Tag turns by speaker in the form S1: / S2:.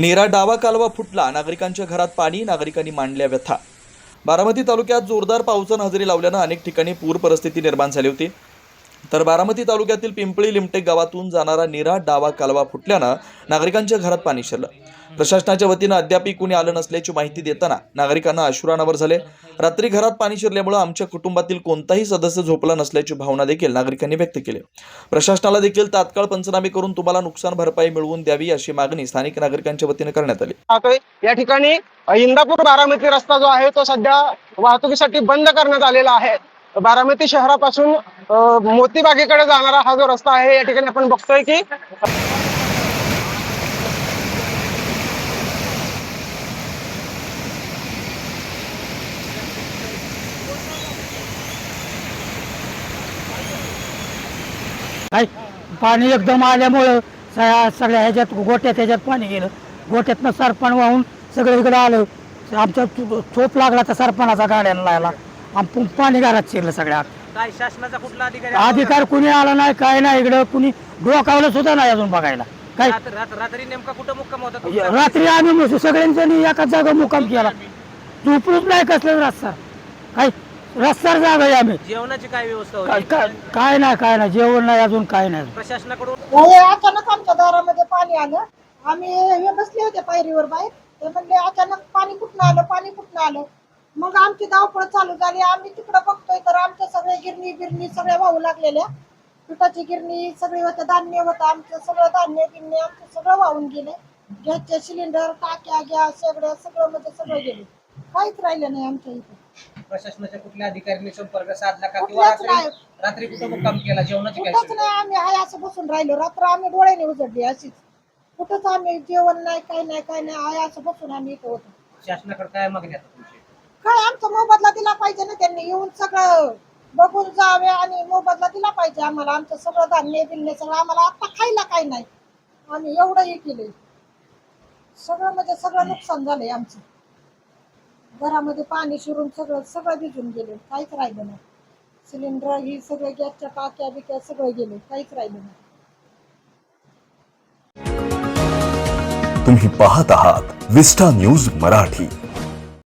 S1: नीरा डावा कालवा फुटला, नागरिकांच्या घरात पाणी, नागरिकांनी मांडल्या व्यथा। बारामती तालुक्यात जोरदार पावसाने हजेरी लावल्याने अनेक ठिकाणी पूर परिस्थिती निर्माण झाली होती। तर बारामती तालुक्यातील पिंपळी लिमटेक गावातून जाणारा नीरा डावा कालवा फुटल्याने नागरिकांच्या घरात पाणी शिरलं। प्रशासनाच्या वतीने अद्याप कोणी आलं नसल्याची माहिती देताना नागरिकांना अश्रूअनावर झाले। रात्री घरात पाणी शिरल्यामुळे आमच्या कुटुंबातील कोणताही सदस्य झोपला नसल्याची भावना देखील नागरिकांनी व्यक्त केली। प्रशासनाला देखील तात्काळ पंचनामे करून तुम्हाला नुकसान भरपाई मिळवून द्यावी अशी मागणी स्थानिक नागरिकांच्या वतीने करण्यात आली।
S2: या ठिकाणी इंदापूर बारामती रस्ता जो आहे तो सध्या वाहतुकीसाठी बंद करण्यात आलेला आहे। बारामती शहरापासून मोतीबागेकडे जाणारा हा जो रस्ता आहे या ठिकाणी आपण बघतोय की
S3: पाणी एकदम आल्यामुळं सगळ्या ह्याच्यात गोट्यात पाणी गेलं। गोट्यातनं सरपण वाहून सगळं इकडे आलं। आमचा चोप लागला तर सरपणाचा गाड्यांना लायला पाणी घरात शिरलं सगळ्यात।
S4: काय शासनाचा कुठला
S3: अधिकार कुणी आला नाही, काय नाही, इकडं कुणी डोकावलं सुद्धा नाही अजून बघायला। काय
S4: रात्री नेमका कुठं मुक्काम होता?
S3: रात्री आम्ही सगळ्यांनी एकाच जागा मुक्काम केला। झोपलंच नाही कसलं रस्ता, काय रस्त्यावर जागा आहे आम्ही।
S4: जेवणाची काय व्यवस्था होती?
S3: काय नाही जेवण नाही, अजून काय नाही।
S4: प्रशासनाकडून
S5: अचानक आमच्या दारामध्ये पाणी आलं। आम्ही हे बसले होते पायरीवर बाहेर, ते म्हणले अचानक पाणी कुठनं आलं। मग आमची धावपळ चालू झाली। आम्ही तिकडे बघतोय तर आमच्या सगळे गिरणी सगळ्या वाहू लागलेल्या। पिठाची गिरणी सगळी होतं, धान्य होतं, आमचं सगळं धान्य गिरणी आमचं सगळं वाहून गेले। गॅसचे सिलेंडर, टाक्या, गॅस सगळं म्हणजे सगळं गेले, काहीच राहिलं नाही आमच्या इथे।
S4: प्रशासनाच्या कुठल्या अधिकाऱ्यांनी संपर्क साधला का किंवा रात्री कुठं मुक्काम केला? जेवणाची काय
S5: कुठंच नाही, आम्ही हाय असं बसून राहिलो। रात्र आम्ही डोळ्याने उजडली अशीच, कुठंच आम्ही जेवण नाही, काय नाही हाय असं बसून आम्ही इथं होतो।
S4: शासनाकडे काय मागणी आता तुमची?
S5: काय आमचा मोबदला दिला पाहिजे ना, त्यांनी येऊन सगळं बघून जावे आणि मोबदला दिला पाहिजे आम्हाला। आमचं सगळं धान्य बिन्य सगळं आम्हाला आता खायला काय नाही, आम्ही एवढं हे केलंय सगळं, म्हणजे सगळं नुकसान झालंय आमचं। घरामध्ये पाणी शिरून सगळं भिजून गेले, काहीच राहिलं नाही। सिलेंडर ही सगळे गॅसच्या टाक्या बिक्या सगळं गेले, काहीच राहिलं नाही।
S6: तुम्ही पाहत आहात विस्टा न्यूज मराठी।